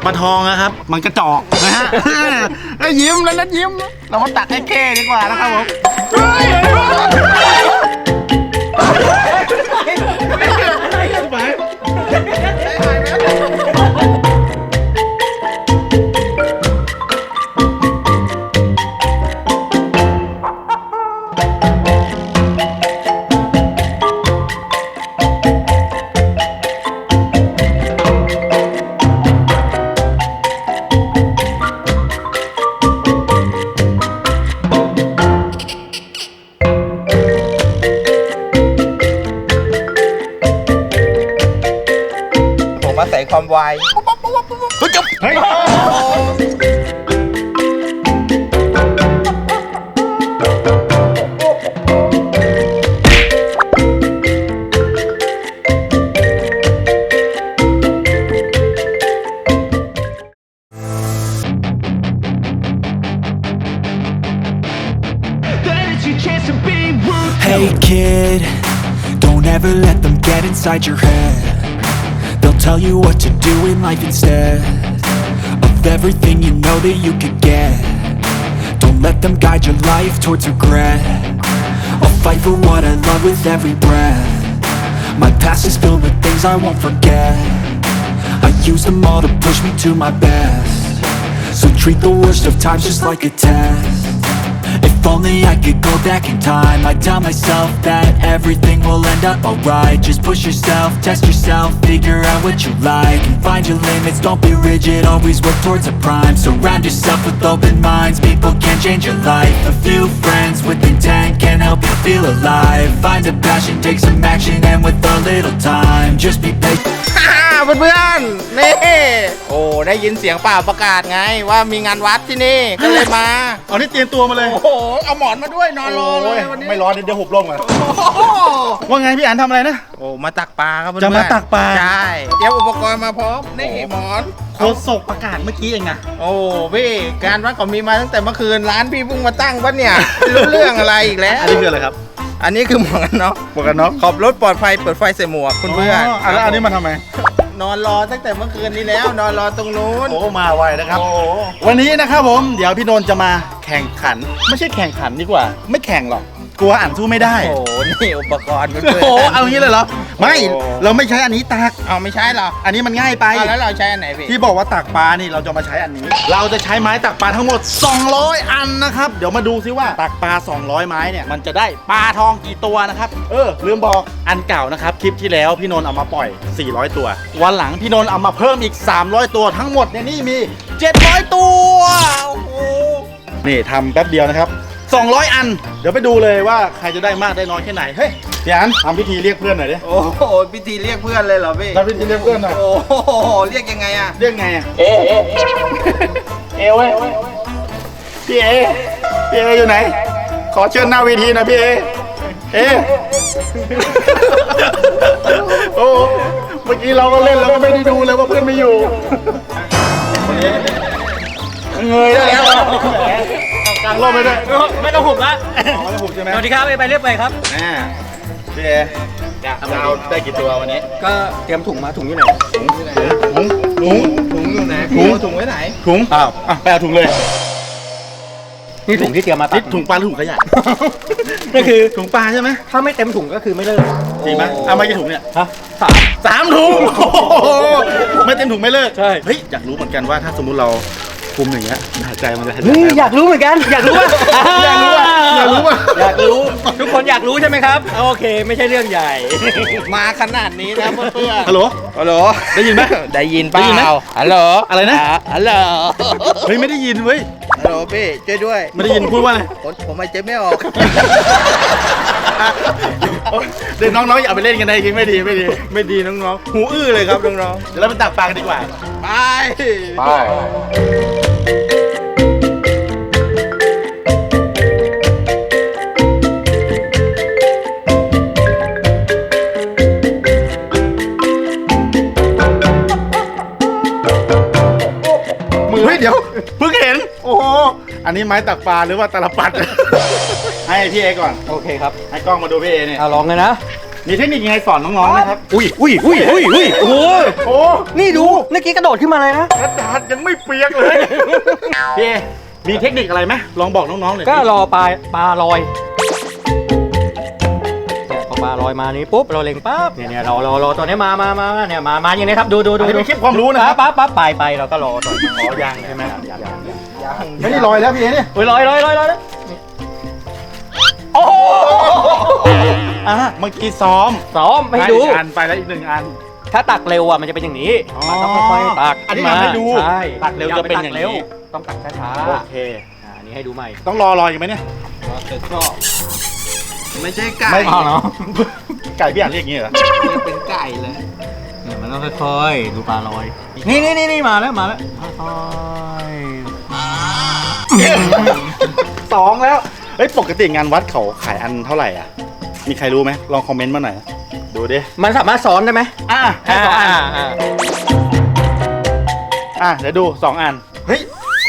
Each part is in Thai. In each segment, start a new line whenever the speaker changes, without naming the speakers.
ปลาทองนะครับมันกระจอกนะฮะแล้วยิ้มแล้วนัดยิ้มเรามาตักให้เก้ดีกว่านะครับผม
ใส่ความไวจบเฮ้ย
Hey kid, don't ever let them get inside your head. They'll tell you what to do in life instead of everything you know that you could get. Don't let them guide your life towards regret. I'll fight for what I love with every breath. My past is filled with things I won't forget. I use them all to push me to my best. So treat the worst of times just like a test. If only I could go back in time, I'd tell myself that everything will end up alright. Just push yourself, test yourself, figure out what you like, and find your limits, don't be rigid, always work towards a prime. Surround yourself with open minds, people can change your life. A few friends with intent can help you feel alive. Find a passion, take some action, and with a little time, just be patient.
เพื่อนๆนี่โอ้ได้ยินเสียงเปล่าประกาศไงว่ามีงานวัดที่นี่ก็เลยมา
เอานี่เตรียมตัวมาเลย
โอ้โหเอาหมอนมาด้วยนอนรอเลยวันนี้
ไม่ร้อนเดี๋ยวหุบลมก่อนว่าไงพี่อันทำอะไรนะ
โอ้มาตักปลาครับเพื่อนๆ
จะมาตักปลา
ใช่เตรียมอุปกรณ์มาพร้อมนี่หมอน
โฆษกประกาศเมื่อกี้เองนะ
โอ้พี่การวัดเขามีมาตั้งแต่เมื่อคืนร้านพี่เพิ่งมาตั้งปะเนี่ยไม่รู้เรื่องอะไรอีกแล้ว
อันนี้คืออะไรครับ
อันนี้คือหมวกกันน็อก
หมวกกันน็อก
ขอบรถปลอดภัยเปิดไฟใส่หมวกคุณเพื่อน
แล้วอันนี้มาทำไม
นอนรอตั้งแต่เมื่อคืนนี้แล้วนอนรอตรงนู้น
โอ้มาไวนะครับ
โอ้
วันนี้นะครับผมเดี๋ยวพี่นนท์จะมาแข่งขัน ไม่ใช่แข่งขันดีกว่า ไม่แข่งหรอกกลัวอ่านสู้ไม่ได้
โอ้โหนี่อุปกรณ์เพื่อน
โอ้โหเอางี้เลยเหรอไม่
โอ้
เราไม่ใช้อันนี้ตัก
เอาไม่ใช่เหรอ
อันนี้มันง่ายไป
เอาแล้วเราใช้อันไหนพี่
ที่บอกว่าตักปลานี่เราจะมาใช้อันนี้ เราจะใช้ไม้ตักปลาทั้งหมด200อันนะครับเดี๋ยวมาดูซิว่าตักปลา200ไม้เนี่ยมันจะได้ปลาทองกี่ตัวนะครับลืมบอกอันเก่านะครับคลิปที่แล้วพี่นนท์เอามาปล่อย400ตัววันหลังพี่นนท์เอามาเพิ่มอีก300ตัวทั้งหมดเนี่ยนี่มี700ตัวโอ้โหนี่ทำแป๊บเดียวนะครับ200อันเดี๋ยวไปดูเลยว่าใครจะได้มากได้น้อยแค่ไหนเฮ้ยพี่อันทำพิธีเรียกเพื่อนหน่อยดิ
โอ้โหพิธีเรียกเพื่อนเลยเหรอพี่
ทำพิธีเรียกเพื่อนหน่อย
โอ้โหเรียกยังไงอะ
เรียกไงอะเว้ยพี่เออยู่ไหนขอเชิญหน้าเวทีหนะพี่เอโอ้เมื่อกี้เราก็เล่นแล้วก็ไม่ได้ดูเลยว่าเพื่อนไม่อยู่วันนี้เงยได้แล้วกลางร่มไปด้วย
ไม่ต้องหุบละ
ไม่ต้องหุบใช่ไหม
สวัสดีครับไปเรียบไปครับ
พี่เอจะเอาได้กี่ตัววันนี้
ก็เตรียมถุงมาถุงอยู่ไหน
ถุงอยู่ไหน
ถุงไว้ไหน
ถุงไปเอาถุงเลย
นี่ถุงที่เตรียมมาตั
นี่
ก
ถุงปลาหรือถุงขยะ
ก็คือ
ถุงปลาใช่ไหม
ถ้าไม่เต็มถุงก็คือไม่เลิก
จริงไหมเอามากี่ถุงเนี่ย
ฮะ3
3 ถุงโอ้โหไม่เต็มถุงไม่เลิก
ใช่
เฮ้ยอยากรู้เหมือนกันว่าถ้าสมมุติเราคุมอย่างเงี้ยหายใจมันจะหายใจ
นี่อยากรู้เหมือนกันอยากรู้ว่า
อยากรู้ว่าอยากรู้ว่า
อยากรู้ทุกคนอยากรู้ใช่ไหมครับโอเคไม่ใช่เรื่องใหญ่
มาขนาดนี้นะเพื่อน
ฮัลโหล
ฮัลโหล
ได้ยินไหม
ได้ยินเป
ได้ยินไหม
ล่าฮัลโหล
อะไรนะ
ฮัลโหล
เฮ้ยไม่ได้ยินเว้ย
ฮัลโหลพี่ช่วยด้วย
ไม่ได้ยินพูดว่าอะไร
ผมไม่เจ็บไม่ออก
เดี๋ยวน้องๆอย่าไปเล่นกันนะจริงไม่ดีน้องๆหูอื้อเลยครับน้องๆเดี๋ยวเราไปตักปลากันดีกว่า
ไป
มือเฮ้ยเดี๋ยวเพิ่งเห็นโอ้โหอันนี้ไม้ตักปลาหรือว่าตาลปัด ให้พี่เอก่อน
โอเคครับ
ให้กล้องมาดูพี่เอเนี่ย
เอาลองเลยนะ
มีเทคนิคยังไงสอนน้องๆนะครับ
อุ้ยโอ้โห
โอ้
นี่ดูเมื่อกี้กระโดดขึ้นมาเลยนะ
กระดาษยังไม่เปียกเลยพี่มีเทคนิคอะไรไหมลองบอกน้องๆหน่อย
ก็รอปลาลอยเนี่ยพอปลาลอยมานี้ปุ๊บเราเล็งปั๊บเนี่ยรอตัวนี้มาเนี่ยมาอย่างนี้ครับดู
อันนี้เป็นคลิปความรู้นะครับ
ปั๊บไปเราก็รอตัว
อ๋อยังใช่ไหมไม่ได้ลอยแล้วพี่เนี่ย
อุ้ยลอยแล้ว
โอ้โหเมื่อกี้ซ้อม
ให้ดู
อีกอันไปแล้วอีก1 อัน
ถ้าตักเร็วอ่ะมันจะเป็นอย่างนี้มันต้องค่อยๆตัก
อันนี้ทำให้ดู
ใช่
ตักเร็วจะเป็นอย่างนี้
ต้องตักช้า
โอเค
อันนี้ให้ดูใหม่
ต้องรออยู่ไหมเนี่ย
ไม่ใช่ไก่
ไม่
เนาะ
ไก่พี่อ่านเรียกอย่างนี้เหรอ
เป็นไก่เลย
เนี่ยมันต้องค่อยๆดูปลาลอย นี่มาแล้วค่อยๆ
2 แล้วเฮ้ยปกติงานวัดเขาขายอันเท่าไหร่อ่ะมีใครรู้ไหมลองคอมเมนต์มาหน่อยดูดิ
มันสามารถซ้อนได้ไหม
ให้2 อันเดี๋ยวดู 2 อันเฮ้ย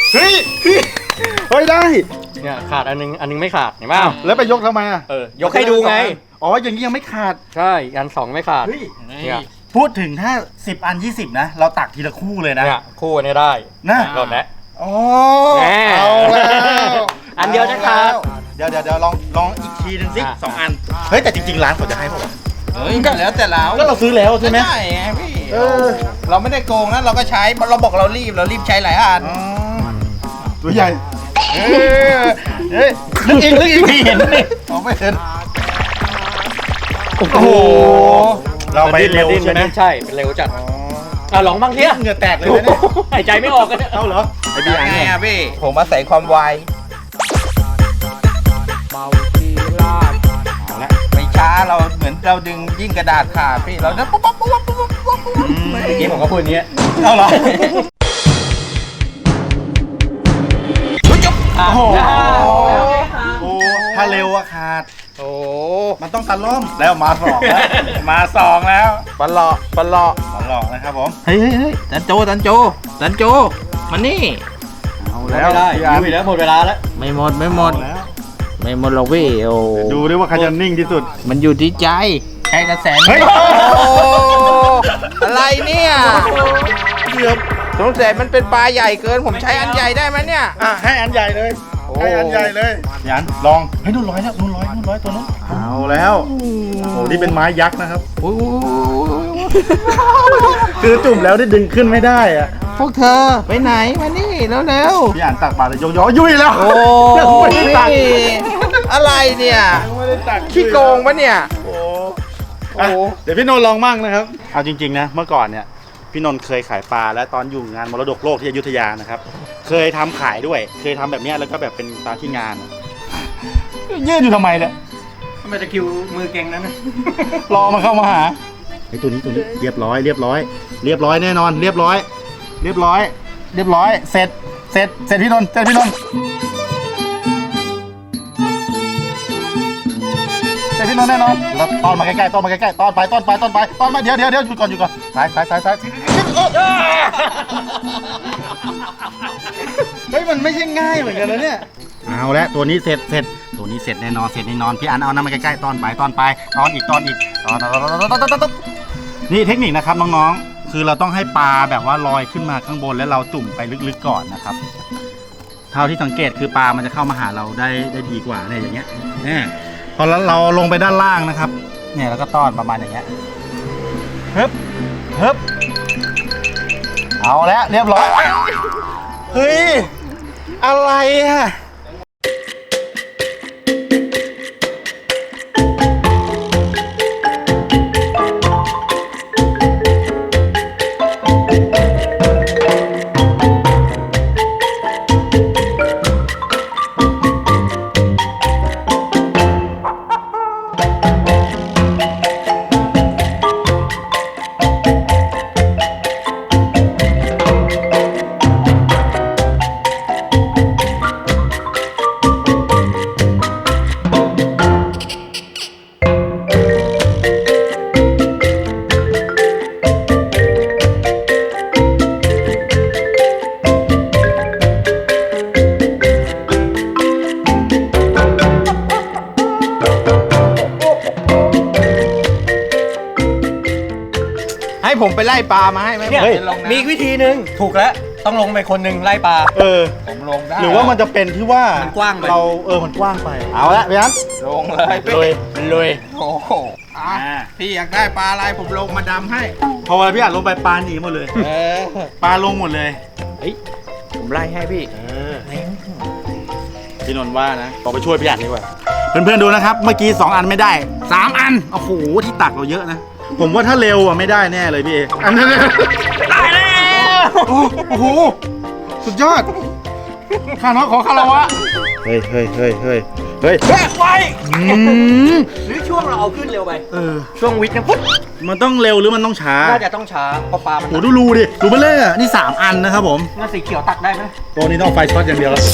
ได้
เนี่ยขาดอันนึงไม่ขาดเห็นเปล่า
แล้วไปยกทำไมอ่ะ
ยกให้ดูไง
อ๋ออย่างนี้ยังไม่ขาด
ใช่อันสองไม่ขาด
เฮ้ย
เนี่ย
พูดถึงถ้า10 อัน 20นะเราตักทีละคู่เลยนะ
เนี่ยคู่อันนี้ได้
นะ
หลดแล้ว
อ๋อ
แน่
เอาแล้ว
อันเดียวนะครับ
เดี๋ยวลองอีกทีหนึงสิ2 อันเฮ้ยแต่จริงๆร้านเขาจะให้ป่าวะ
เฮ้ยก็แล้วแต่เรา
ก็เราซื้อแล้วใช่ไหม
ใช่ไงพี่
เออ
เราไม่ได้โกงนะเราก็ใช้เราบอกเรารีบใช้หลายอัน
อ๋อตัวใหญ่เฮ้ยลึกอีกไม่เห็นนี่ไม่เห็นโอ้โหเราไปเร็วใช่ไหม
ใช่เป็นเร็วจัดลองบ้างเทีย
เหงื่อแตกเลยนะเนี่ย
หายใจไม่ออกกันเนี่ย
เอาเหรอไอพี่อ่าน
ไง
เนี่ย
อะพี่ผมอาศัยความไว
เอาละ
ไม่ช้าเราเหมือนเราดึงยิ่งกระดาษขาดพี่เราจะปุ๊บ
เมื่อกี้ผมก็พูดอย่างเงี้ย
เอาเหรอโอ้โหถ้าเร็วอะขาด
โอ้
มันต้องตะล่อมแล้วมา2แล้วมา2แล้ว
ปลา
ตลอดนะครับผม
เฮ้ยจันโจมานี่
เอา
ไม่
แล้ว
ได้
พี่อาร์
อยู่แล้วหมดเวลาแล้ว
ไม่หมด
เอาแล้ว
ไม่หมดหรอกพี่โอ้
ดูดิว่าใครจะนิ่งที่สุด
มันอยู่ที่ใจใช้กระแส
เฮ้ย
อะไรเนี่ย
เกือบ
สงสัยมันเป็นปลาใหญ่เกินผมใช้อันใหญ่ได้ไหมเนี่ย
ให้อันใหญ่เลย
โอ้
ให้อันใหญ่เลยยันลองให้นู่นร้อยแล้วนู่นร้อยตัวนู้นเอาแล้วโอ้โหนี่เป็นไม้ยักษ์นะครับ
โอ้
คือจุ่มแล้วได้ดึงขึ้นไม่ได้อะ
พวกเธอไปไหนมานี่เร็ว
พี่อ่านตักบาตรเลยย้อยุ่ยแล้ว
ๆโอ้
ยังไม่ได้ตัก
อะไรเนี่ย
ยังไม่ได้ตัก
ขี้โกงปะเนี่ย
โอ้
โอ้
เดี๋ยวพี่นนท์ลองมั่งนะครับเอาจริงๆนะเมื่อก่อนเนี่ยพี่นนท์เคยขายปลาและตอนอยู่งานมรดกโลกที่อยุธยานะครับเคยทำขายด้วย เคยทำแบบเนี้ยแล้วก็แบบเป็นตามที่งานยืนอยู่ทำไมเนี่ย
ทำไมตะคิวมือเก่งนั้นนะ
รอมาเข้ามาหาไอ้ตัวนี้เรียบร้อยแน่นอนเรียบร้อยเสร็จพี่นนท์เสร็จพี่นนท์แน่นอนแล้วตอนมาใกล้ๆตอนไปเดี๋ยวหยุดก่อนซ้ายเฮ้ยมันไม่ใช่ง่ายเหมือนกันนะเนี่ยเอาละตัวนี้เสร็จแน่นอนพี่อันเอาน้ำมาใกล้ๆตอนไปตอนอีกนี่เทคนิคนะครับน้องๆคือเราต้องให้ปลาแบบว่าลอยขึ้นมาข้างบนแล้วเราจุ่มไปลึกๆก่อนนะครับเท่าที่สังเกตคือปลามันจะเข้ามาหาเราได้ดีกว่าเนี่ยอย่างเงี้ยพอเราลงไปด้านล่างนะครับเนี่ยแล้วก็ต้อนประมาณอย่างเงี้ยฮึบเอาแล้วเรียบร้อยเฮ้ยอะไรอะ
ผมไปไล่ปลามาให้ไหม
เนี่ย
ผมจะลงน้ำ
มีอีกวิธีหนึ่งถูกแล้วต้องลงไปคนหนึ่งไล่ปลา
เออ
ผมลงได้
หรือว่ามันจะเป็นที่ว่า
มันกว้างไป
เรามันกว้างไป เอาละพี่อัน
ลงเลยพี่
ลุย
โอ้โหอ่ะพี่อยากได้ปลาอะไรผมลงมาดำให้
พอเวลาพี่อันลงไปปลาหนีหมดเลย
เออ
ปลาลงหมดเลย
ผมไล่ให้พี่
พี่นนท์ว่านะบอกไปช่วยพี่อันดีกว่า เพื่อนๆดูนะครับ เมื่อกี้2 อันไม่ได้ 3 อัน โอ้โห ที่ตักเราเยอะนะ ผมว่าถ้าเร็วไม่ได้แน่เลยพี่เออันนั้นได้แล้วโอ้โห สุดยอด ข้าน้องขอคาราวะ เฮ้ยไว
หรือช่วงเราเอาขึ้นเร็วไป
ช่วงวิทย์นะพุทธมันต้องเร็วหรือมันต้องช้า
น่าจะต้องช้าเพราะปลามัน
โอ้ดูรูดิดูเบลเล่อะนี่3 อันนะครับผม
น่าสีเขียวตักได้ไหม
ตัวนี้ต้องไฟช็อตอย่างเดียวแล้ว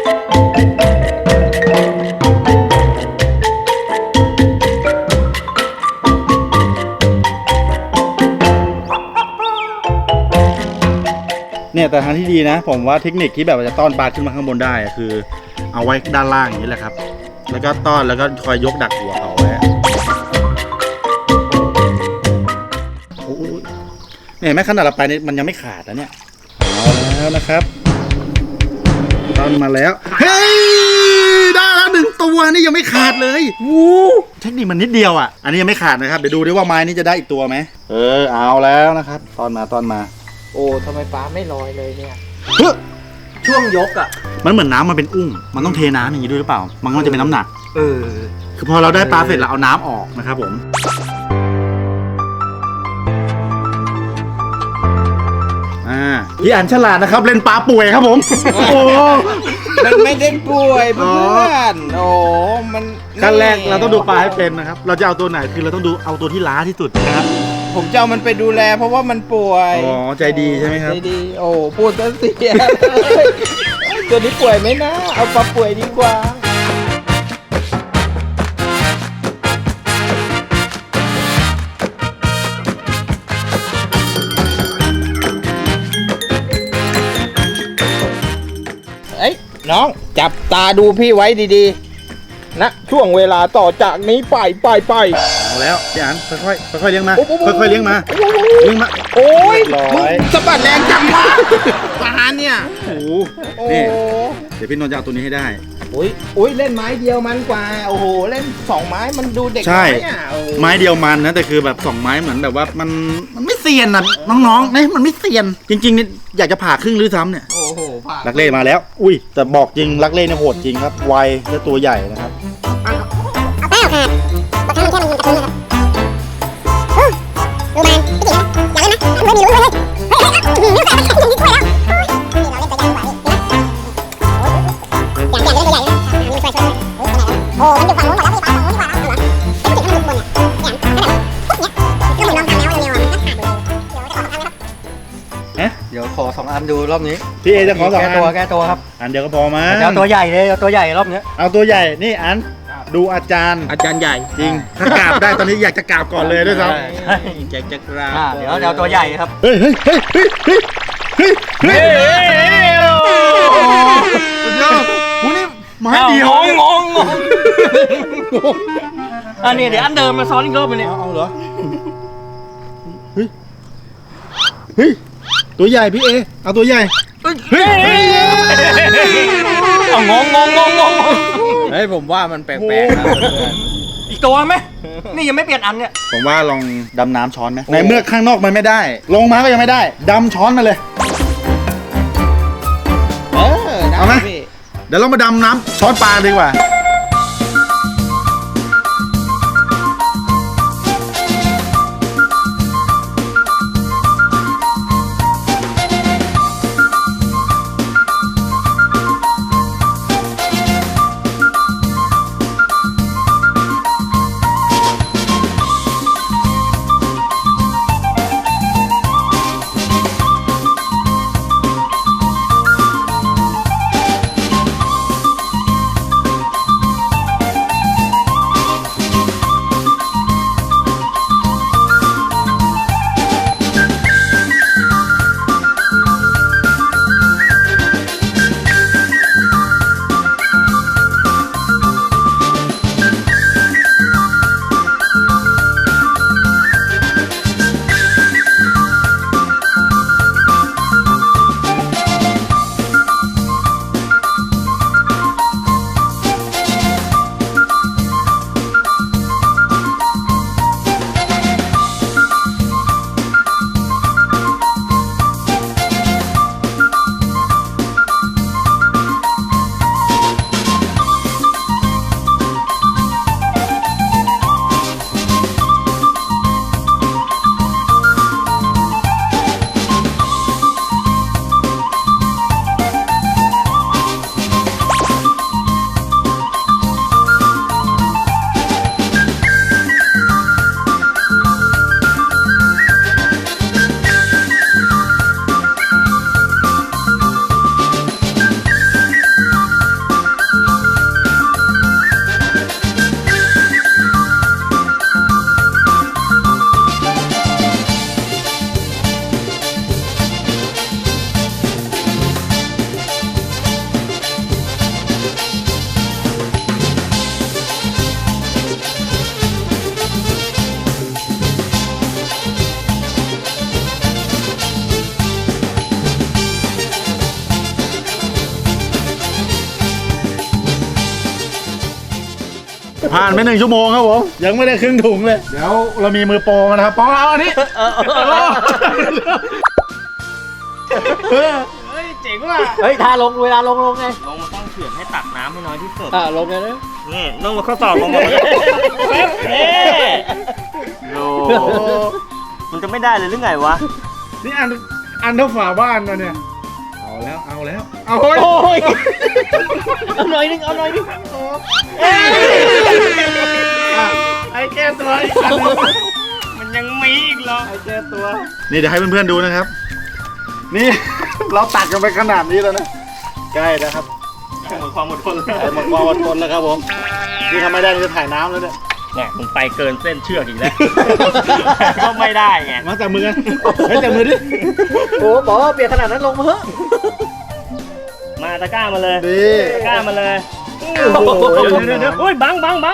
เนี่ยแต่ทางที่ดีนะ ผมว่าเทคนิคที่แบบว่าจะต้อนปลาขึ้นมาข้างบนได้อะคือ เอาไว้ด้านล่างอย่างนี้แหละครับ แล้วก็ต้อนแล้วก็คอยยกดักหัวเขาไว้โอ้ยเนี่ยแม้ขนาดเราไปเนี่ยมันยังไม่ขาดนะเนี่ยเอาแล้วนะครับต้อนมาแล้วเฮ้ยได้แล้ว1 ตัวนี่ยังไม่ขาดเลยวู้เทคนิคมันนิดเดียวอ่ะอันนี้ยังไม่ขาดนะครับเดี๋ยวดูดิว่าไม้นี้จะได้อีกตัวไหมเอาแล้วนะครับต้อนมา
โอ้ทำไมปลาไม่ลอยเลยเนี่ย
เฮ้ย
ช่วงยกอ่ะ
มันเหมือนน้ำมันเป็นอุ้งมันต้องเทน้ำอย่างนี้ด้วยหรือเปล่ามันก็จะเป็นน้ำหนัก
เออ
คือพอเราได้ปลาเสร็จเราเอาน้ำออกนะครับผมพี่อันฉลาดนะครับเล่นปลาป่วยครับผมโอ้
มันไม่ได้ป่วยเพื่อนโอ้มัน
ขั้นแรกเราต้องดูปลาให้เป็นนะครับเราจะเอาตัวไหนคือเราต้องดูเอาตัวที่ล้าที่สุดนะครับ
ผมจะเอามันไปดูแลเพราะว่ามันป่วย
อ๋อใจดีใช่ไหมครับ
ใจดีโอ้พูดซะเสียตัวนี้ป่วยไหมนะ เอาปลาป่วยดีกว่าเอ้ยน้องจับตาดูพี่ไว้ดีๆนะช่วงเวลาต่อจากนี้ไป
เอาแล้วพี่อันค่อยๆเลี้ยงมา
โอ้โห
ค่อยๆเลี้ยงมาเลี้ยงมา
โอ้ย
ร้อย
สะบัดแรงจังวะปลาเนี่ย
โอ้โห
โอ้
นี่เดี๋ยวพี่นนท์จะเอาตัวนี้ให้ได้
โอ้ยเล่นไม้เดียวมันกว่า โอ้โห เล่น2 ไม้มันดูเด็ก
ใช่
น้อยอ่ะโอ้
ไม้เดียวมันนะแต่คือแบบ2 ไม้เหมือนแบบว่ามันไม่เซียนนะน้องๆเนี่ยมันไม่เซียน จริงๆนี่อยากจะผ่าครึ่งหรือซ้ำเนี่ย
โอ้โหผ่าน
ลักเล่มาแล้ว อุ้ยแต่บอกจริงลักเล่เนี่ยโหดจริงครับไวและตัวใหญ่นะครับ
เอาแป้งขาดบางครั้งมันแค่มันยิงกระทุ้งนะครับดูมันพี่ติ๋มอย่าเล่นนะไม่มีลุ้นเลยเฮ้ยนิ้วขาดมันยิงถ้วยแล้วนี่เราเล่นตัวใหญ่กว่านี่อย่างเล่นตัวใหญ่นะมีช่วยโอ้มันอยู่ฝั่งนู้นหมดแล้วพี่ฝั่งนู้นดีกว่าเหรอไอ้ผู้หญิงมันหลุดบนเนี่ยอย่างนั้นก็เหมือนลองทำแล้วเร็วๆอ่ะก็ขาดหมดเลยเดี๋ยวจะขอทำนะครับ
เอ๊ะ
เดี๋ยวขอ2 อันดูรอบนี้
พี่เอจะขอ2 อัน
แก้ตัวครับ
อันเดียวก็พอมั้ง
จะเอาตัวใหญ่เลยเอาตัวใหญ่รอบเนี้ย
เอาตัวใหญ่นี่อันดูอาจารย์
อาจารย์ใหญ่
จริงถ้ากราบได้ตอนนี้อยากจะกราบก่อนเลยด้วยซ้
ใช่
อยากจะกราบ
เดี๋ยวเอาตัวใหญ่ครับ
ำเฮ้ยสุดยอดโอ้นี่ไม้เดียว
งงอันนี้เดี๋ยวอันเดิมมาซ้อนอีกรอบนึงเนี่ย
เอาเหรอเฮ้ยตัวใหญ่พี่เอเอาตัวใหญ่เฮ้ย
เอางง
เฮ้ยผมว่ามันแปลกๆนะเพื่อน
อีกตัวไหมนี่ยังไม่เปลี่ยนอันเนี่ย
ผมว่าลองดำน้ำช้อนไหมในเมื่อข้างนอกมันไม่ได้ ลงมาก็ยังไม่ได้ดำช้อนมาเลย
ได้
เอาไหม
พี่
เดี๋ยวเรามาดำน้ำช้อนปลาดีกว่าผ่านไป1 ชั่วโมงครับผมยังไม่ได้ครึ่งถุงเลยเดี๋ยวเรามีมือโปรมานะครับปอเอาอันนี้
เฮ้ยทาลงเวลาลงไง
ลงมาต้องเขื่อนให้ตักน้ำให้น้อยที่สุด
ลงไงนะ
นี่ต้องมาข้อสอบลงมาโอ้มันจะไม่ได้เลยหรือไงวะ
นี่อันเท่าฝาบ้านนะเนี่ยเอาแล้วเอาเฮ้ย
โอ้ยเอาหน่อยนึง
ไอ้แก้ตัวอีกอันหนึ่ง
มันยังมีอีกเหรอ
ไอ้แก้ตัวนี่เดี๋ยวให้เพื่อนๆดูนะครับ นี่ เราตักกันไปขนาดนี้แล้วนะใกล้นะครับ
หมดความอดทน
ไอ้หมดความอดทนแล้วครับผมนี่ทำไม่ได้นี่จะถ่ายน้ำแล้วเนี่ย
เนี่ยมึงไปเกินเส้นเชือกอีกแล้ว ก็ไม่ได้ไง
มาจับมือกันเฮ้ยจับมือดิ
โอ้บอกว่าเปลี่ยนขนาดนั้นลงมาเถอะ
มาตะกร้ามาเลย
ดี
ตะกร้ามาเลย
โอ้โห
เดี๋ยวโอ้ยบัง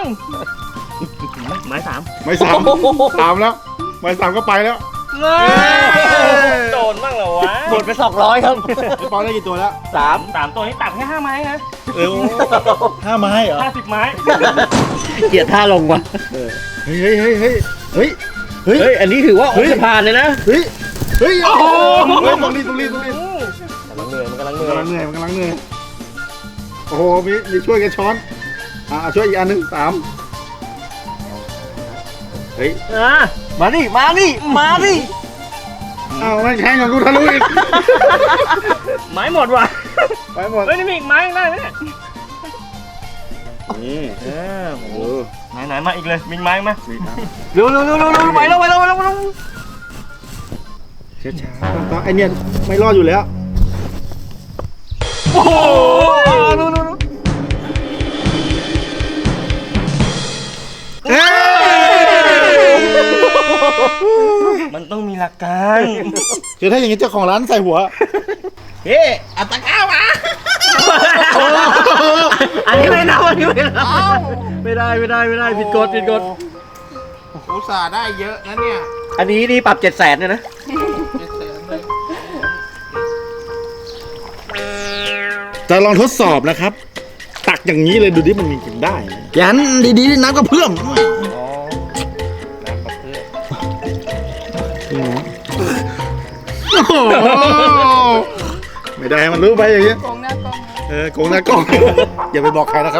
ไม้สาม
ไม่สามแล้วไม่สามก็ไปแล้ว
โดนบ้างเหรอวะ
หมดไป200ครับ
ไอ้ปอได้กี่ตัวแล้ว
สามตัวนี้ตักแค่5 ไม้นะ
5 ไม้เหรอ
50 ไม้
เกลียดท่าลงว่ะ
เฮ้ย
เฮ้ยอันนี้ถือว่าโอ้จะผ่านเลยนะ
เฮ้ยโอ้โหตรงนี้
กำลังเหนื่อยมันกำลังเหนื่
มันกำลังเหนื่อยโอ้โหมีช่วยกันช้อนช่วยอีกอันหนึง3เฮ้ย
มาดิ
เอามันแข่งกับกูทะลุอีก
ไม้หมดว่ะ
ไปหมด
เฮ้ยนี่มีอีกไม้ยังได้ไหมเนี่ย
นี่
โอ้ไหนมาอีกเลยมีไม้ไหม
เร็วไปแล้ว
ช้าๆไอเนี่ยไม่รอดอยู่แล้ว
โอ้โหมันต้องมีหลักการ
คือถ้าอย่างนี้เจ้าของร้านใส่หัว
เฮ้อัตะก้ามา
อันนี้ไม่นับไม่ได้ผิดกฎ
อุตส่าห์ได้เยอะนะเนี่ย
อันนี้นี่ปรับ700,000เนี่ยนะ
จะลองทดสอบนะครับ ตักอย่างนี้เลยดูดิมันมีกินได้ไหมยันดีๆน้ำกระเพื่อมโอ้โหไม่ได้ให้มันรู้ไปอย่างนี้โกงหน้ากล้องโกงหน้ากล้อง อย่าไปบอกใครนะครับ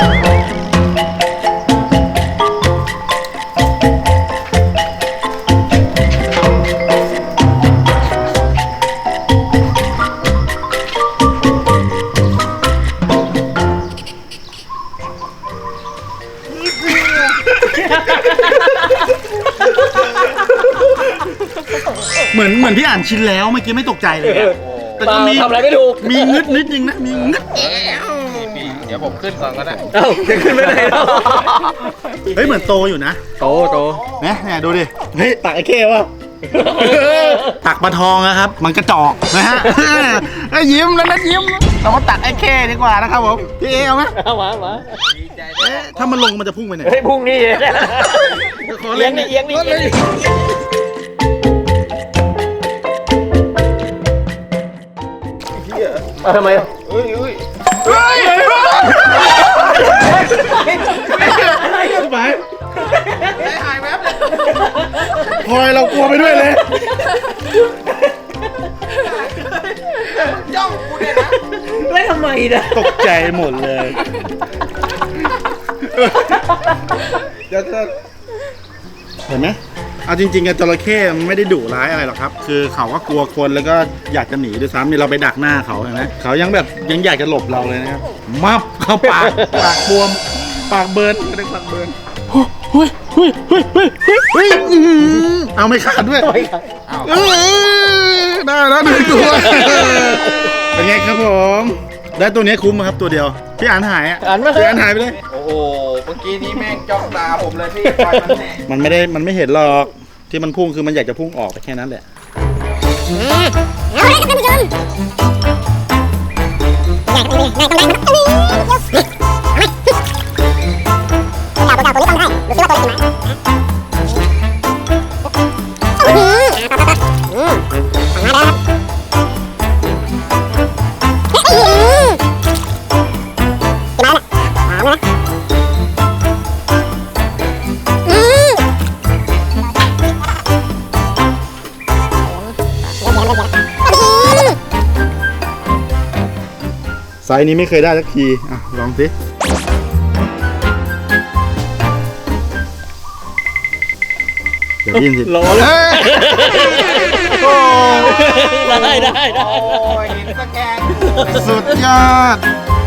เหมือนพี่อ่านชินแล้วเมื่อกี้ไม่ตกใจเลยอะแต่ก็มี
ทำอะไรไม่ถูก
มีงึดนิดนึงนะมีงึด
เดี๋ยวผมขึ้นก่อนก็ได้
เอ้าจะขึ้นไม่ได้แล้ว
เฮ้ยเหมือนโตอยู่นะ
โต
เนี่ยดูดิเฮ้ยตักไอ้เข้วะตักปลาทองนะครับ มันกระจอกนะฮะไอ้ยิ้มแล้วนะยิ้มเรามาตักไอ้เข้ดีกว่านะครับผมพี่เอเอาไหม
เอามา
เอ๊ะถ้ามันลงมันจะพุ่งไปไหน
เฮ้ยพรุ่งนี้
ขอ
เอี
เล่
ย
น
งนี่เอียงนี่ ทำไม
ไปหายแวบพลอยเรากลัวไปด้วยเลย
ไม่ทำไมนะ
ตกใจหมดเลยเดี๋ยวเห็นไหมเอาจริงๆกับจระเข้มันไม่ได้ดุร้ายอะไรหรอกครับ คือเขาก็กลัวคนแล้วก็อยากจะหนีด้วยซ้ำนี่เราไปดักหน้าเขาเห็นไหมเขายังแบบยังอยากจะหลบเราเลยนะครับมับเข้าปากบวมปากเบิร์นไม่ได้ปากเบิร์นเฮ้ยเอาไม่ขาดด้วยได้แล้ว1 ตัว เป็นไงครับผมได้ตัวนี้คุ้มไหมครับตัวเดียวพี่อ่านหายอ่ะ
อ่านไม่
พี่อ่านหายไปเลย
โอ้โหเมื่อกี้นี้แม่งจ้องตาผมเลยพี่ปล่อยมันแน่
มันไม่เห็นหรอกที่มันพุ่งคือมันอยากจะพุ่งออกไปแค่นั้นแหละ
เอาเลยครับท่านผู้ชมอยากได้ต้องได้ครับตัวเก่าตัวนี้ต้องได้ดูซิว่าตัวไหนมาแล้วครับกี่ไม้ละ3นะ
ไซส์นี้ไม่เคยได้สักทีอ่ะลองสิเดี๋ยวยินสิ
ร้อน
เอ้ยโอ้
ได้
โอ้ยหินตะแกรง
สุดยอด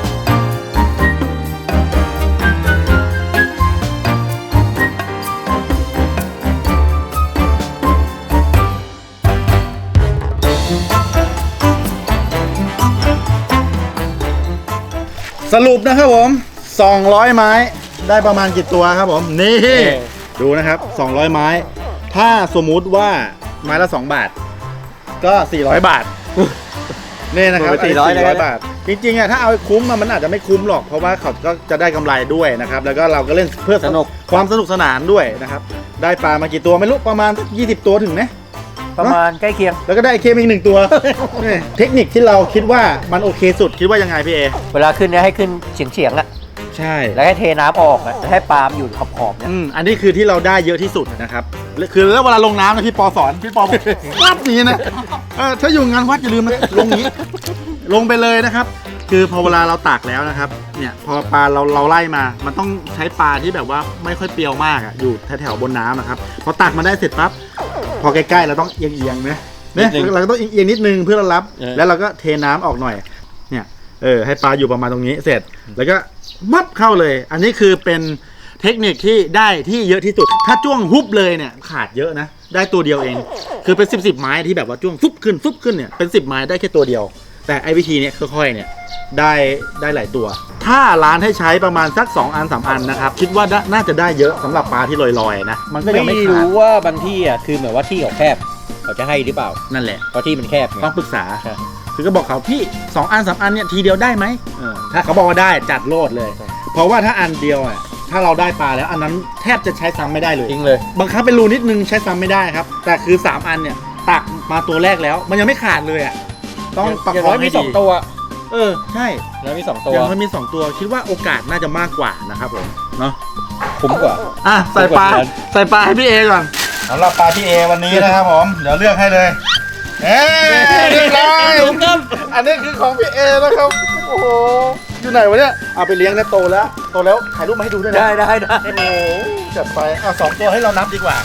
สรุปนะครับผม200 ไม้ได้ประมาณกี่ตัวครับผมนี่ดูนะครับ200 ไม้ ถ้าสมมุติว่าไม้ละ2 บาท ก็400 บาท นี่นะครับ 400 บาท จริงๆอ่ะถ้าเอาคุ้มมันอาจจะไม่คุ้มหรอกเพราะว่าเขาก็จะได้กำไรด้วยนะครับแล้วก็เราก็เล่นเพื่อความสนุกสนานด้วยนะครับได้ปลามากี่ตัวไม่รู้ประมาณสัก20 ตัวถึงไหม
ประมาณใกล้เคียง
แล้วก็ได้เคมอีก1 ตัว นี่เทคนิคที่เราคิดว่ามันโอเคสุดคิดว่ายังไงพี่เอ
เวลาขึ้นเนี่ยให้ขึ้นเฉียงๆอะ
ใช่
แล้วให้เทน้ำออกอะแล้วให้ปลาล์มอยู่ขอบๆเนี่ย
อันนี้คือที่เราได้เยอะที่สุดนะครับคือแล้วเวลาลงน้ำนะพี่ปอสอนพี่ปอบอกวัดนี้นะถ้าอยู่งานวัดอย่าลืมนะลงนี้ ลงไปเลยนะครับ คือพอเวลาเราตากแล้วนะครับเนี่ยพอปลาเราไล่มามันต้องใช้ปลาที่แบบว่าไม่ค่อยเปรี้ยวมากอ่ะอยู่แถวๆบนน้ำนะครับพอตักมาได้เสร็จปั๊บพอใกล้ๆเราต้องเอียงๆนะเนี่ยเราก็ต้องเอียงนิดนึงเพื่อเรารับแล้วเราก็เทน้ำออกหน่อยเนี่ยให้ปลาอยู่ประมาณตรงนี้เสร็จแล้วก็มับเข้าเลย อันนี้คือเป็นเทคนิคที่ได้ที่เยอะที่สุดถ้าจ้วงฮุบเลยเนี่ยขาดเยอะนะได้ตัวเดียวเองคือเป็น10 ไม้ที่แบบว่าจ้วงฟุบขึ้นเนี่ยเป็น10 ไม้ได้แค่ตัวเดียวแต่ไอ้วิธีเนี้ยค่อยๆเนี่ยได้หลายตัว ถ้าร้านให้ใช้ประมาณสัก2 อัน 3 อันนะครับคิดว่าน่าจะได้เยอะสำหรับปลาที่ลอยๆนะมันก็ยังไม่
ไม่
ขาด
รู้ว่าบางที่อะคือเหมือนว่าที่เขาแคบเขาจะให้หรือเปล่า
นั่นแหละ
เพราะที่มันแคบไง
ต้องปรึกษา
ใช่
คือก็บอกเขาพี่2 อัน 3 อันเนี่ยทีเดียวได้ไหมถ้าเขาบอกว่าได้จัดโลดเลย เพราะว่าถ้าอันเดียวอ่ะถ้าเราได้ปลาแล้วอันนั้นแทบจะใช้ซ้ำไม่ได้เลย
จริงเลย
บางครั้งเป็นรูนิดนึงใช้ซ้ำไม่ได้ครับแต่คือ3 อันเนี่ยตักมาตัวแรกแล้ว มันยังไม่ขาดเลยอ่ะต้องประคองให้
มี
ดี
2 ตัว
ใช่
แล้วมี2ตัว
ยังมันมี2 ตัวคิดว่าโอกาสน่าจะมากกว่านะครับผมเนาะ
คุ้มกว่า
ใส่ปลาให้พี่เอก่อนสำหรับปลาพี่เอวันนี้นะครับผมเดี๋ยวเลือกให้เลยเรียบร้อยอันนี้คือของพี่เอนะครับโอ้โหอยู่ไหนวะเนี่ยเอาไปเลี้ยงแล้วโตแล้วถ่ายรูปมาให้ดูด้วยนะ
ได้
โอ้โหจัดไปเอา2 ตัวให้เรานับดีกว่า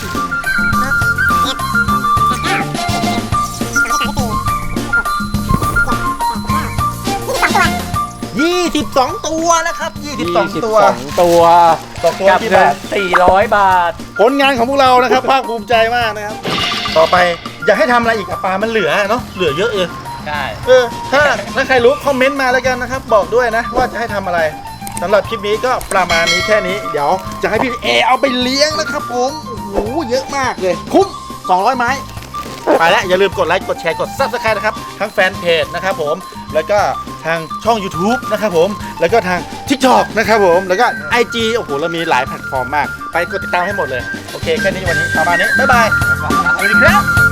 22 ตัวนะครับ22 ตัว
22 ตัว
ต่อตัว
กับ
กี่
เงิ
บาน ท
400 บาท
ผลงานของพวกเรานะครับ ภาคภูมิใจมากนะครับ ต่อไปอยากให้ทำอะไรอีกกับปลามันเหลือเนาะเหลือเยอะเอง
ใช่
ถ้าใครรู้คอมเมนต์มาแล้วกันนะครับ บอกด้วยนะว่าจะให้ทำอะไรสำหรับคลิปนี้ก็ประมาณนี้แค่นี้เดี๋ยวจะให้พี่เอเอาไปเลี้ยงนะครับผมโอ้โหเยอะมากเลยคุ้ม200 ไม้ไปแล้วอย่าลืมกดไลค์กดแชร์กด Subscribe นะครับทั้งแฟนเพจนะครับผมแล้วก็ทางช่อง YouTube นะครับผมแล้วก็ทาง TikTok นะครับผมแล้วก็ IG โอ้โหเรามีหลายแพลตฟอร์มมากไปกดติดตามให้หมดเลยโอเคแค่นี้วันนี้ประมาณนี้บ๊ายบายสวัสดีครับ